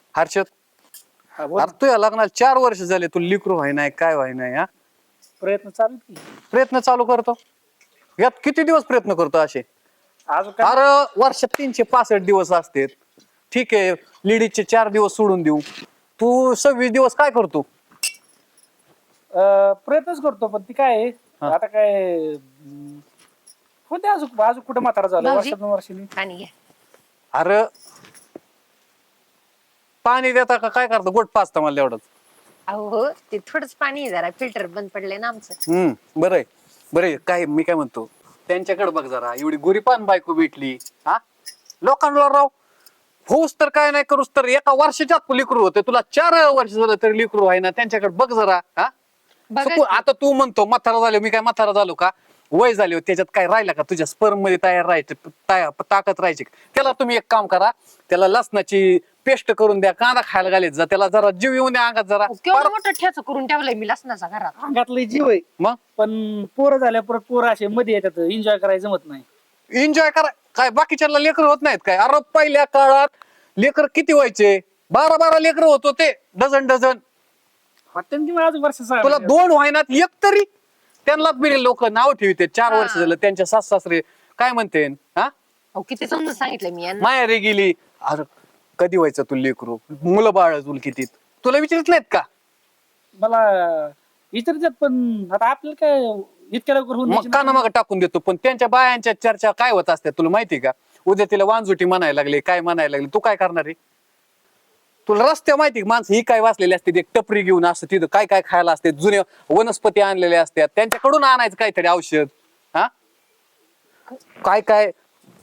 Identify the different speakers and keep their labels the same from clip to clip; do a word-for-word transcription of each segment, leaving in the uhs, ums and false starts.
Speaker 1: हर्षद
Speaker 2: हा, बोल.
Speaker 1: अरे तुझ्या लग्नाला चार वर्ष झाले, तू लिकरू व्हाय नाही काय व्हाय नाही हा.
Speaker 2: प्रयत्न चालू आहेत की.
Speaker 1: प्रयत्न चालू करतो, यात किती दिवस प्रयत्न करतो असे?
Speaker 2: अजून काय
Speaker 1: अरे वर्षात तीनशे पासष्ट दिवस असतात. ठीक आहे, लेडीजचे चार दिवस सोडून देऊ, तू सव्वीस दिवस काय करतो?
Speaker 2: अं, प्रयत्नच करतो, पण ती काय आहे,
Speaker 1: हा.
Speaker 2: आता काय अं, होते अजून अजून कुठे म्हातारा झालं
Speaker 3: भाऊजी,
Speaker 2: वर्षात दोन वर्षांनी.
Speaker 3: पाणी घ्या.
Speaker 1: अरे पाणी देता का काय करतो? गोट पाचता मला एवढंच.
Speaker 3: अहो हो, ते थोडंच पाणी आहे, जरा फिल्टर बंद पडले ना आमचं.
Speaker 1: हम्म बरं आहे बरं आहे. काय मी काय म्हणतो, त्यांच्याकडे बघ जरा, एवढी गुरीपान बायको भेटली हा. लोकांना राव होऊस तर काय नाही करूस तर एका वर्षाच्यात लिकरू होते, तुला चार वर्ष झालं तरी लिकरू आहे ना. त्यांच्याकडे बघ जरा हा.
Speaker 3: बघा
Speaker 1: चुकून
Speaker 3: की.
Speaker 1: आता तू म्हणतो म्हातारा झालो, मी काय म्हातारा झालो का? वय झाले हो, त्याच्यात काय राहिलं का? तुझ्या स्पर्म मध्ये तयार राहायचे ताया- ताकद राहायची का? त्याला तुम्ही एक काम करा, त्याला लसणाची पेस्ट करून द्या, कांदा खायला घालायचा जा, त्याला जरा जीव येऊन द्या अंगात जरा.
Speaker 3: केवढं मोठं ठेच करून ठेवलंय मी लसणाचा घरात.
Speaker 2: अंगातलं जीव आहे,
Speaker 1: मग
Speaker 2: पण पोरं झाल्या परत पोरं असे मध्ये येतात, एन्जॉय करायचं जमत नाही.
Speaker 1: एन्जॉय करा काय? बाकीच्या लेकर होत नाहीत काय? अरे पहिल्या काळात लेकर किती व्हायचे? बारा बारा लेकर होत होते, डझन डझन.
Speaker 2: होते की मग अजून वर्ष सहा
Speaker 1: तुला
Speaker 2: महिने.
Speaker 1: दोन व्हायनात एक तरी. त्यांना बिरे लोक नाव ठेवते, चार वर्ष
Speaker 3: हा.
Speaker 1: झालं त्यांच्या सास सासरे काय म्हणते हा.
Speaker 3: अहो किती समजून सांगितलं मी यांना.
Speaker 1: माहेरी गेली. अरे कधी व्हायचं तू लेकरू? मुलं बाळ तुला किती? तुला विचारत नाहीत का?
Speaker 2: मला विचारतात, पण आता आपल्याला काय इतक्या लवकर होऊन
Speaker 1: मग
Speaker 2: द्यायची
Speaker 1: काना
Speaker 2: नाही.
Speaker 1: मग टाकून देतो. पण त्यांच्या बायांच्या चर्चा काय होत असतात तुला माहिती का? उद्या तिला वांजुटी म्हणायला लागले, काय म्हणायला लागले, तू काय करणार आहे? तुला रस्ते माहिती माणसं ही काय वाचलेली असते, एक टपरी घेऊन असतं तिथं काय काय खायला असते, जुने वनस्पती आणलेले असतात, त्यांच्याकडून आणायचं काहीतरी औषध हा. काय काय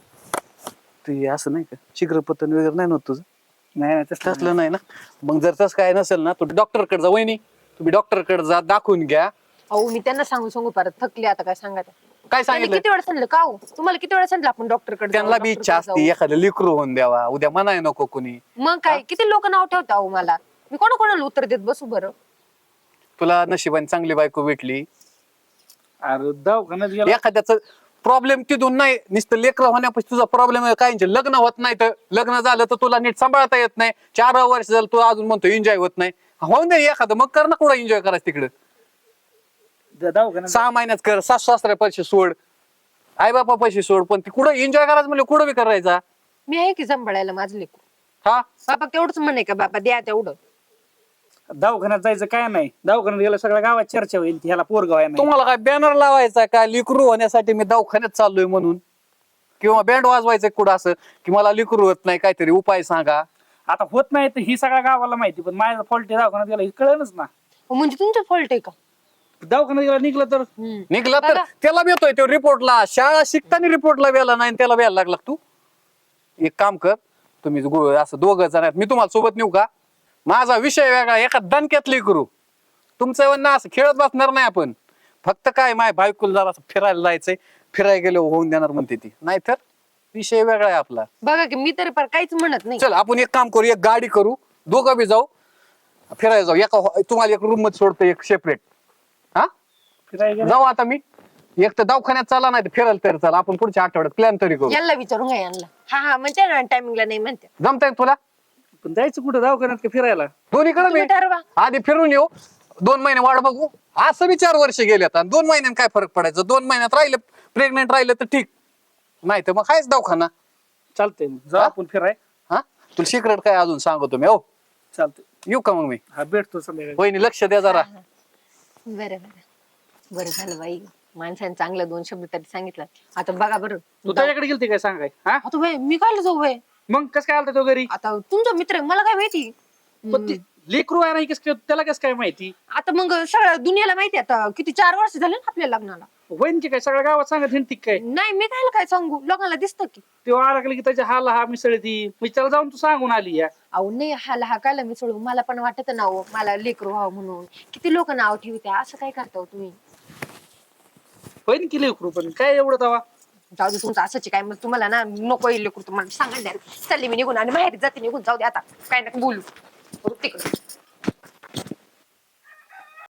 Speaker 1: ते असं नाही का, शीघ्रपतन वगैरे नाही नव्हतं तुझं?
Speaker 2: नाही नाही तसलं
Speaker 1: तसलं नाही ना. मग जर तसं काय नसेल ना, तू डॉक्टर कडे जा. वहिनी तुम्ही डॉक्टर कडे जा, दाखवून घ्या.
Speaker 3: अहो मी त्यांना सांगू सांगू परत थकले आता, काय सांगा ते.
Speaker 1: काय
Speaker 3: त्यांनी
Speaker 1: सांगितलं?
Speaker 3: किती वेळा सांगितलं का हो? तुम्हाला किती वेळा सांगितलं आपण डॉक्टर कडे
Speaker 1: त्यांना बी इच्छा असते एखादं लिकरू होऊन द्यावा, उद्या म्हणाय नको कुणी.
Speaker 3: मग काय किती लोक नाव ठेवता अहो मला. मी कोणा कोणाला उत्तर देत बसू बरं?
Speaker 1: तुला नशिबाने चांगली बायको भेटली.
Speaker 2: अरे दवाखान्यात गेला
Speaker 1: एखाद्याच प्रॉब्लेम तिथून नाही, नुसतं लेकर होण्यापासून तुझा प्रॉब्लेम आहे. काहींचे लग्न होत नाही, तर लग्न झालं तर तुला नीट सांभाळता येत नाही. चार वर्ष झालं तू अजून म्हणतो एन्जॉय होत नाही. होऊन दे एखादं, मग कर ना कुठं एन्जॉय करायचं तिकडं.
Speaker 2: द- दवाखान्यात
Speaker 1: सहा महिन्यात कर, सासू सासऱ्या पैसे सोड, आई बापा पैसे सोड, पण ती कुठं एन्जॉय करायचं म्हणजे कुठं बी करायचा
Speaker 3: मी आहे की सांभाळायला माझं लेकरू.
Speaker 1: हा.
Speaker 3: बाबा तेवढंच म्हणे का बाबा द्या तेवढं.
Speaker 2: दवाखान्यात जायचं काय नाही, दवाखान्यात गेलं सगळ्या गावात चर्चा होईल, ह्याला पोरगाव आहे नाही.
Speaker 1: तुम्हाला काय बॅनर लावायचा का लिकरू होण्यासाठी मी दवाखान्यात चाललोय म्हणून? किंवा बँड वाजवायचं कुठं असं की मला लिकरू होत नाही, काहीतरी उपाय सांगा.
Speaker 2: आता होत नाही तर ही सगळ्या गावाला माहिती, पण माझा फॉल्ट दवाखान्यात गेला हे कळलंच ना.
Speaker 3: अहो, म्हणजे तुमचं फॉल्ट आहे का?
Speaker 2: दवाखान्यात गेला निघलं तर
Speaker 3: हम्म.
Speaker 1: निघला तर
Speaker 3: बघा.
Speaker 1: त्याला भेटतोय तो रिपोर्टला. शाळा शिकताना रिपोर्टला वेळा नाही आणि त्याला वेळा लागला तू. एक काम कर, तुम्ही गो- असं दोघं जण आहेत, मी तुम्हाला सोबत नेऊ का? माझा विषय वेगळा, एका दणक्यातली करू. तुमचं ना असं खेळत बसणार नाही आपण. फक्त काय माय बायकोला जरा असं फिरायला जायचंय, फिरायला गेलो होऊन देणार म्हणते ती, नाहीतर विषय वेगळा आहे आपला.
Speaker 3: बघा की मी तरी पर काहीच म्हणत नाही.
Speaker 1: चल आपण एक काम करू, एक गाडी करू, दोघं बी जाऊ फिरायला जाऊ. एका तुम्हाला एक रूम मध्ये सोडतो, एक सेपरेट. हा
Speaker 2: फिरायला गेला
Speaker 1: जाऊ आता मी. एक तर दवाखान्यात चाला, नाही तर फिरायला तरी चला. आपण पुढच्या आठवड्यात प्लॅन तरी करू.
Speaker 3: यांना विचारून घ्या यांना. हा हा म्हणते ना टायमिंगला नाही म्हणते.
Speaker 1: जमतंय तुला?
Speaker 2: पण जायचं कुठं दवाखान्यात का फिरायला?
Speaker 1: दोन्ही कडे
Speaker 3: तुम्ही ठरवा.
Speaker 1: आधी फिरून येऊ, दोन महिने वाट बघू. असं बी चार वर्ष गेलेत आणि दोन महिन्यात काय फरक पडायचं? दोन महिन्यात राहिलं प्रेग्नेंट राहिलं तर ठीक, नाही तर मग कायच दवाखाना.
Speaker 2: चालतंय मग जाऊ
Speaker 1: हा?
Speaker 2: आपण फिराय.
Speaker 1: हा तुला सिक्रेट काय अजून सांगतो मी. हो
Speaker 2: चालतंय,
Speaker 1: येऊ का मग मी?
Speaker 2: हा भेटतो संध्याकाळी.
Speaker 1: वहिनी लक्ष द्या जरा.
Speaker 3: बरं बरं बरं झालं बाई, माणसाने चांगलं दोन शब्द तरी सांगितलं. आता बघा बरं,
Speaker 2: तू त्याच्याकडे गेलती काय सांगाय? हा
Speaker 3: आता बाई मी काय जाऊ बाई?
Speaker 2: मग कस काय आलता तो घरी?
Speaker 3: आता तुमचा मित्र आहे, मला काय माहिती.
Speaker 2: पण ती लेकरू आहे नाही, कस काय त्याला कस काय माहिती?
Speaker 3: आता मग सगळ्या दुनियाला माहिती आहे. आता किती चार वर्ष झाले ना आपल्या लग्नाला.
Speaker 2: वहिनीची काय सगळ्या गावात सांगत हिंडती काय?
Speaker 3: नाही मी काय काय सांगू, लोकांना दिसतं की.
Speaker 2: तेव्हा आला की त्याच्या हाला हा मिसळती, मी त्याला जाऊन तू सांगून आली या.
Speaker 3: अहो नाही हाला हा कायला मी सोडू, मला पण वाटत ना हो, मला लेकरू व्हावं म्हणून. किती लोक नाव ठेवते, असं काय करता हो तुम्ही?
Speaker 2: वहिनी की लेकरू, पण काय एवढं तवा?
Speaker 3: जाऊ दे तुमचं असंच आहे काय, मग तुम्हाला ना नको येईल लेकरू, तुम्हाला सांगायला चालले मी निघून आणि माहेरी जाते निघून. जाऊ दे आता काय नका बोलू तिकडे.